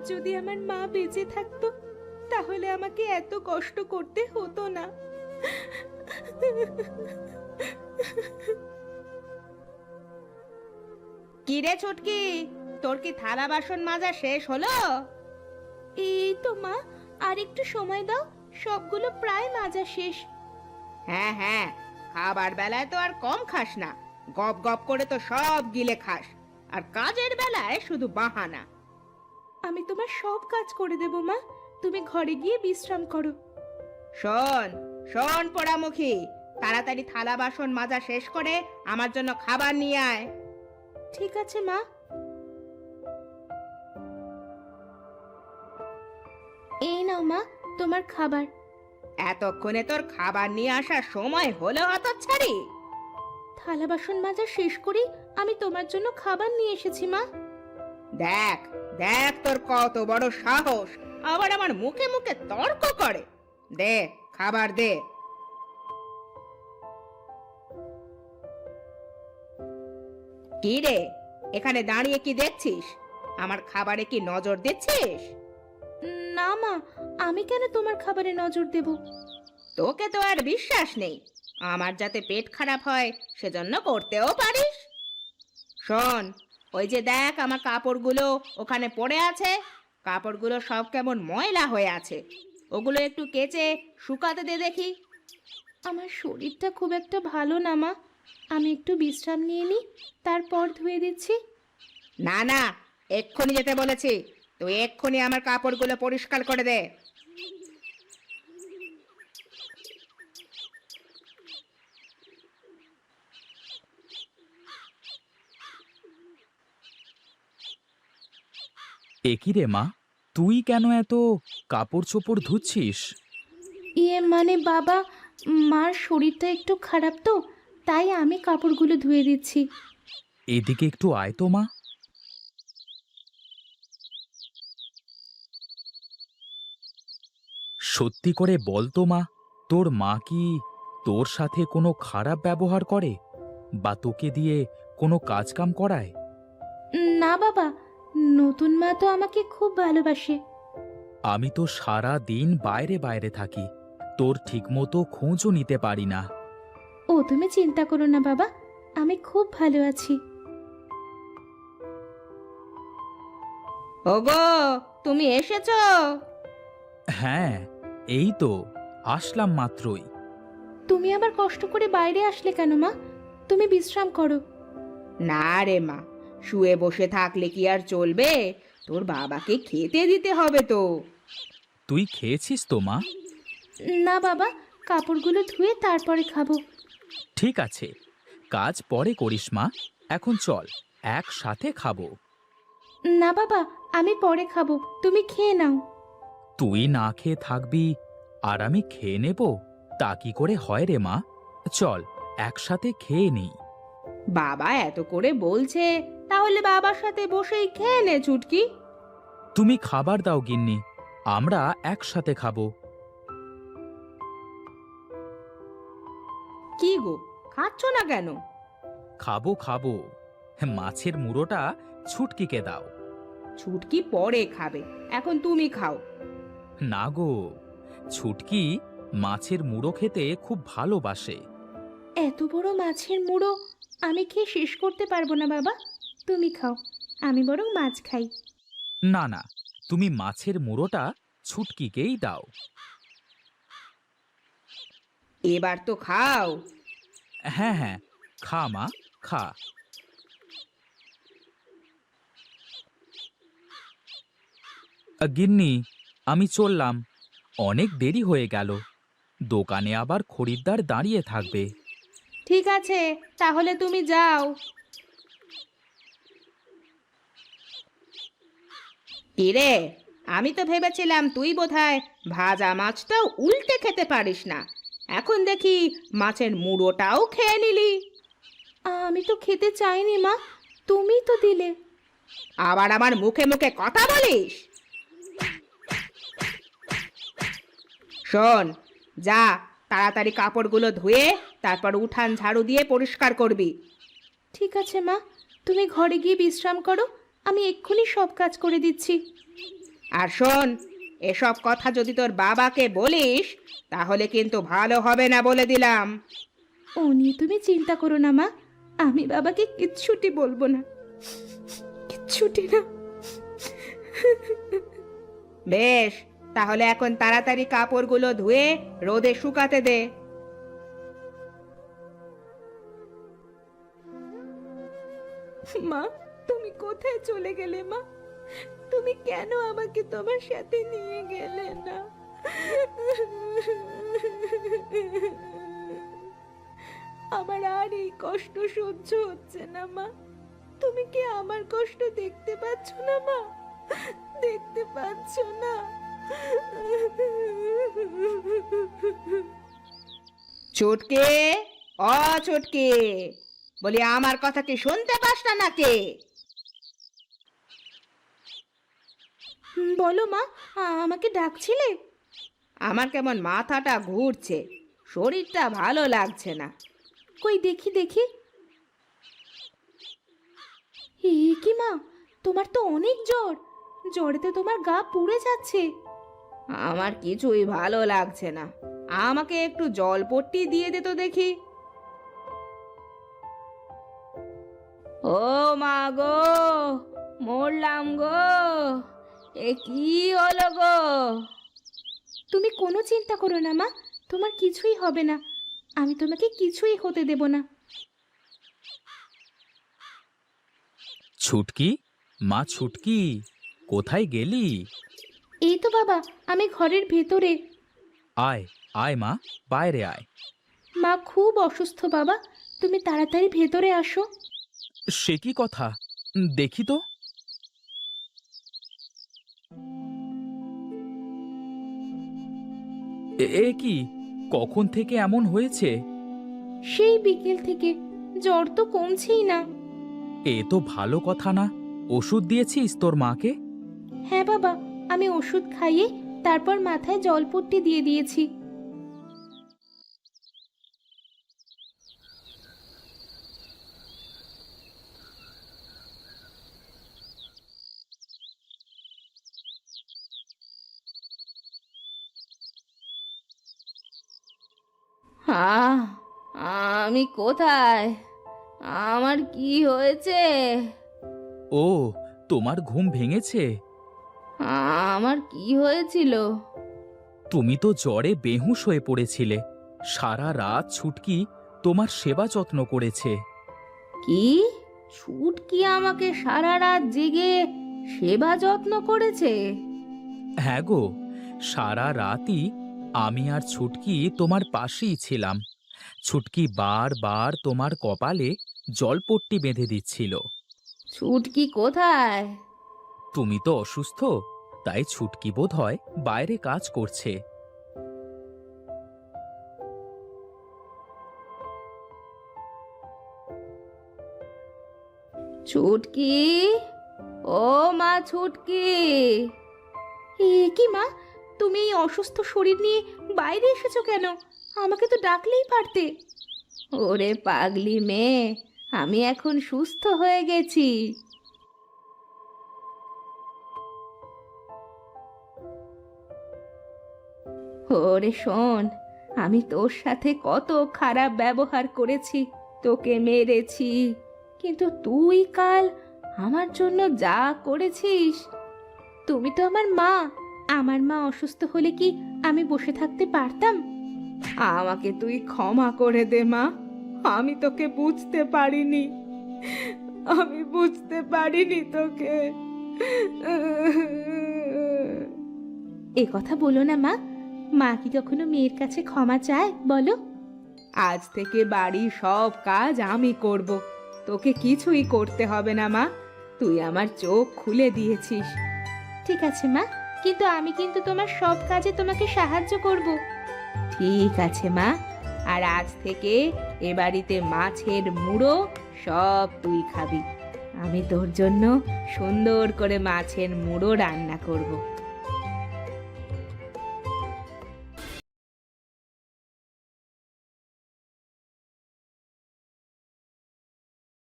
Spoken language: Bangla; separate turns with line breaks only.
যদি আমার মা বেঁচে থাকতো তাহলে আমাকে এত কষ্ট করতে হতো না।
কি রে ছুটকি, তোর কি থালা বাসন মাজা শেষ হলো?
এই তো মা, আর একটু সময় দাও, সবগুলো প্রায় মাজা শেষ।
হ্যাঁ হ্যাঁ, খাবার বেলায় তো আর কম খাস না, গপ গপ করে তো সব গিলে খাস, আর কাজের বেলায় শুধু বাহানা।
আমি তোমার সব কাজ করে দেব মা, তুমি ঘরে গিয়ে বিশ্রাম করো।
শোন শোন পোড়ামুখী, তাড়াতাড়ি থালা বাসন মাজা শেষ করে আমার জন্য খাবার নিয়ে আয়।
ঠিক আছে মা। এই নাও মা, তোমার খাবার।
এতক্ষণে তোর খাবার নিয়ে আসার সময় হলো হতচ্ছাড়ি?
থালা বাসন মাজা শেষ করি আমি তোমার জন্য খাবার নিয়ে এসেছি মা।
দেখ দেখ তোর কত বড় সাহস, আবার আমার মুখে মুখে তর্ক করে। দে খাবার দে। কি রে, এখানে দাঁড়িয়ে কি দেখছিস? আমার খাবারে কি নজর দিচ্ছিস?
না মা, আমি কেন তোমার খাবারে নজর দেব?
তোকে তো আর বিশ্বাস নেই, আমার যাতে পেট খারাপ হয় সেজন্য করতেও পারিস। শোন, ওই যে দেখ আমার কাপড়গুলো ওখানে পড়ে আছে, কাপড়গুলো সব কেমন ময়লা হয়ে আছে, ওগুলো একটু কেচে শুকাতে দে দেখি।
আমার শরীরটা খুব একটা ভালো না মা, আমি একটু বিশ্রাম নিয়ে নিই, তারপর ধুয়ে দিচ্ছি।
না না, এক্ষুনি যেতে বলেছি, তুই এক্ষুনি আমার কাপড়গুলো পরিষ্কার করে দে।
একি রে মা, তুই কেন এত কাপড় চোপড় ধুচ্ছিস?
মানে বাবা, মার শরীরটা একটু খারাপ তো, তাই আমি কাপড়গুলো ধুয়ে দিচ্ছি।
এদিকে একটু আয় তো মা। সত্যি করে বল তো মা, তোর মা কি তোর সাথে কোনো খারাপ ব্যবহার করে বা তোকে দিয়ে কোনো কাজ কাম করায়?
না বাবা, নতুন মা তো আমাকে খুব ভালোবাসে।
আমি তো সারা দিন বাইরে বাইরে থাকি, তোর ঠিকমতো খোঁজও নিতে পারি না।
ও তুমি চিন্তা করো না বাবা, আমি খুব ভালো আছি।
ওগো, তুমি এসেছো?
হ্যাঁ, এই তো আসলাম মাত্রই।
তুমি আবার কষ্ট করে বাইরে আসলে কেন মা? তুমি বিশ্রাম করো।
না রে মা, শুয়ে বসে থাকলে কি আর চলবে, তোর বাবাকে খেতে দিতে হবে তো।
তুই খেয়েছিস তো মা?
না বাবা, কাপড়গুলো ধুয়ে তারপরে খাবো।
ঠিক আছে, কাজ পরে করিস মা, এখন চল একসাথে খাবো।
না বাবা, আমি পরে খাবো, তুমি খেয়ে নাও।
তুই না খেয়ে থাকবি আর আমি খেয়ে নেব, তা কি করে হয় রে মা? চল একসাথে খেয়ে নিই।
বাবা এত করে বলছে, তাহলে বাবার সাথে বসেই খেয়ে নে চুটকি।
তুমি খাবার দাও গিন্নি, আমরা একসাথে খাবো।
কি গো, খাচ্ছ না কেন?
খাবো খাবো, মাছের মুড়োটা ছুটকিকে দাও।
ছুটকি পরে খাবে, এখন তুমি খাও।
না গো, ছুটকি মাছের মুড়ো খেতে খুব ভালোবাসে।
এত বড় মাছের মুড়ো আমি খেয়ে শেষ করতে পারবো না বাবা, তুমি খাও, আমি বরং মাছ খাই।
না না, তুমি মাছের মুড়োটা ছুটকিকেই দাও।
এবার তো খাও।
হ্যাঁ হ্যাঁ, খা মা, খা। গিন্নি, আমি চললাম, অনেক দেরি হয়ে গেল, দোকানে আবার খরিদ্দার দাঁড়িয়ে থাকবে।
ঠিক আছে, তাহলে তুমি যাও। কিরে, আমি তো ভেবেছিলাম তুই বোধহয় ভাজা মাছটাও উল্টে খেতে পারিস না, এখন দেখি মাছের মুড়োটাও খেয়ে নিলি।
আমি তো খেতে চাইনি মা, তুমিই তো দিলে।
আবার আমার মুখে মুখে কথা বলিস? শোন, যা তাড়াতাড়ি কাপড়গুলো ধুয়ে তারপর উঠান ঝাড়ু দিয়ে পরিষ্কার করবি।
ঠিক আছে মা, তুমি ঘরে গিয়ে বিশ্রাম করো, আমি এক্ষুনি সব কাজ করে দিচ্ছি।
আর শোন, এসব কথা যদি তোর বাবাকে বলিস তাহলে কিন্তু ভালো হবে না বলে দিলাম।
ও নিয়ে তুমি চিন্তা করো না মা, আমি বাবাকে কিচ্ছুটি বলবো না, কিচ্ছুটি না।
বেশ, তাহলে এখন তাড়াতাড়ি কাপড়গুলো ধুয়ে রোদে শুকাতে দে।
মা, তুমি কোথায় চলে গেলে মা? তুমি কেন আমাকে তোমার সাথে নিয়ে গেলে না? আমার আর এই কষ্ট সহ্য হচ্ছে না মা। তুমি কি আমার কষ্ট দেখতে পাচ্ছ না মা? দেখতে পাচ্ছ না?
ছুটকে, অ ছুটকে, বলি আমার কথা কি শুনতে পাস না নাকি?
বলো মা, আমাকে ডাকছিলে?
আমার কেমন মাথাটা ঘুরছে, শরীরটা ভালো লাগছে না।
কই দেখি দেখি। এ কি মা, তোমার তো অনেক জ্বর, জ্বরেতে তোমার গা পুড়ে যাচ্ছে।
আমার কিছুই ভালো লাগছে না, আমাকে একটু জলপট্টি দিয়ে দে তো দেখি। ও মা গো, মরলাম গো, এ কি হলো গো?
তুমি কোনো চিন্তা করো না মা, তোমার কিছুই হবে না, আমি তোমাকে কিছুই হতে দেব না।
ছুটকি, মা ছুটকি, কোথায় গেলি?
এই তো বাবা, আমি ঘরের ভেতরে।
আয় আয় মা, বাইরে আয়।
মা খুব অসুস্থ বাবা, তুমি তাড়াতাড়ি ভেতরে আসো।
সে কি কথা, দেখি তো। এ কি, কখন থেকে এমন হয়েছে?
সেই বিকেল থেকে জ্বর তো কমছেই না।
এ তো ভালো কথা না। ওষুধ দিয়েছিস তোর মাকে?
হ্যাঁ বাবা, আমি ওষুধ খাইয়ে তারপর মাথায় জলপট্টি দিয়ে দিয়েছি।
আহ, আমি কোথায়? আমার কি হয়েছে?
ও, তোমার ঘুম ভেঙেছে?
আমার কি হয়েছিল?
তুমি তো জ্বরে বেহুঁশ হয়ে পড়েছিলে। সারা রাত ছুটকি তোমার সেবা যত্ন করেছে।
কি? ছুটকি আমাকে সারা রাত জেগে সেবা যত্ন করেছে?
হ্যাঁ গো, সারা রাতই আমি আর ছুটকি তোমার পাশেই ছিলাম। ছুটকি বারবার তোমার কপালে জলপট্টি বেঁধে দিচ্ছিল।
ছুটকি কোথায়?
তুমি তো অসুস্থ, তাই ছুটকি বোধহয় বাইরে কাজ করছে।
ছুটকি, ও মা ছুটকি।
এ কি মা, তুমি এই অসুস্থ শরীর নিয়ে বাইরে এসেছো কেন? আমাকে তো ডাকলেই পারতে।
ওরে পাগলি মেয়ে, আমি এখন সুস্থ হয়ে গেছি। ওরে শোন, আমি তোর সাথে কত খারাপ ব্যবহার করেছি, তোকে মেরেছি, কিন্তু তুই কাল আমার জন্য যা করেছিস।
তুমি তো আমার মা, আমার মা অসুস্থ হলে কি আমি বসে থাকতে পারতাম?
আমাকে তুই ক্ষমা করে দে মা, আমি তোকে বুঝতে পারিনি, আমি বুঝতে পারিনি তোকে।
এ কথা বলো না মা, মা কি কখনো মেয়ের কাছে ক্ষমা চায় বলো?
আজ থেকে বাড়ির সব কাজ আমি করব, তোকে কিছুই করতে হবে না মা, তুই আমার চোখ খুলে দিয়েছিস।
ঠিক আছে মা, কিন্তু আমি কিন্তু তোমার সব কাজে তোমাকে সাহায্য করব।
ঠিক আছে মা, আর আজ থেকে এ বাড়িতে মাছের মুড়ো সব তুই খাবি, আমি তোর জন্য সুন্দর করে মাছের মুড়ো রান্না করব।